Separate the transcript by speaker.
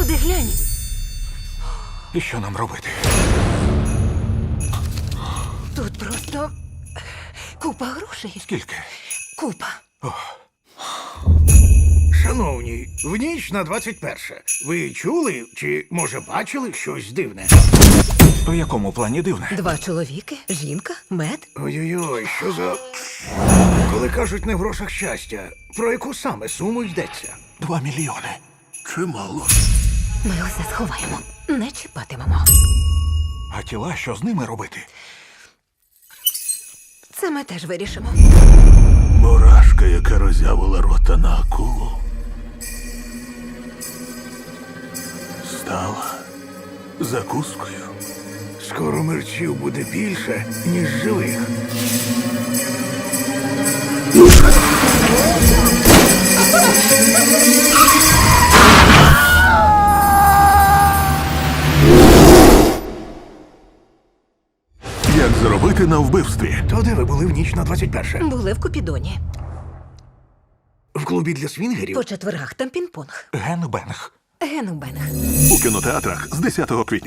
Speaker 1: Куди глянь?
Speaker 2: І що нам робити?
Speaker 1: Тут просто купа грошей.
Speaker 2: Скільки?
Speaker 1: Купа.
Speaker 3: Шановні, в ніч на 21. Ви чули чи, може, бачили щось дивне?
Speaker 2: У якому плані дивне?
Speaker 1: 2 чоловіки, жінка, мед.
Speaker 3: Ой-ой-ой, що за... Коли кажуть не в грошах щастя, про яку саме суму йдеться?
Speaker 2: 2 мільйони.
Speaker 3: Чимало.
Speaker 1: Ми усе сховаємо. Не чіпатимемо.
Speaker 2: А тіла, що з ними робити?
Speaker 1: Це ми теж вирішимо.
Speaker 4: Мурашка, яка роззявила рота на акулу, стала закускою.
Speaker 3: Скоро мерчів буде більше, ніж живих.
Speaker 4: Як заробити на вбивстві?
Speaker 3: То де ви були в ніч на 21?
Speaker 1: Були в Купідоні.
Speaker 3: В клубі для свінгерів?
Speaker 1: По четвергах там пінг-понг.
Speaker 2: Генбенг.
Speaker 1: Генубенг.
Speaker 4: У кінотеатрах з 10 квітня.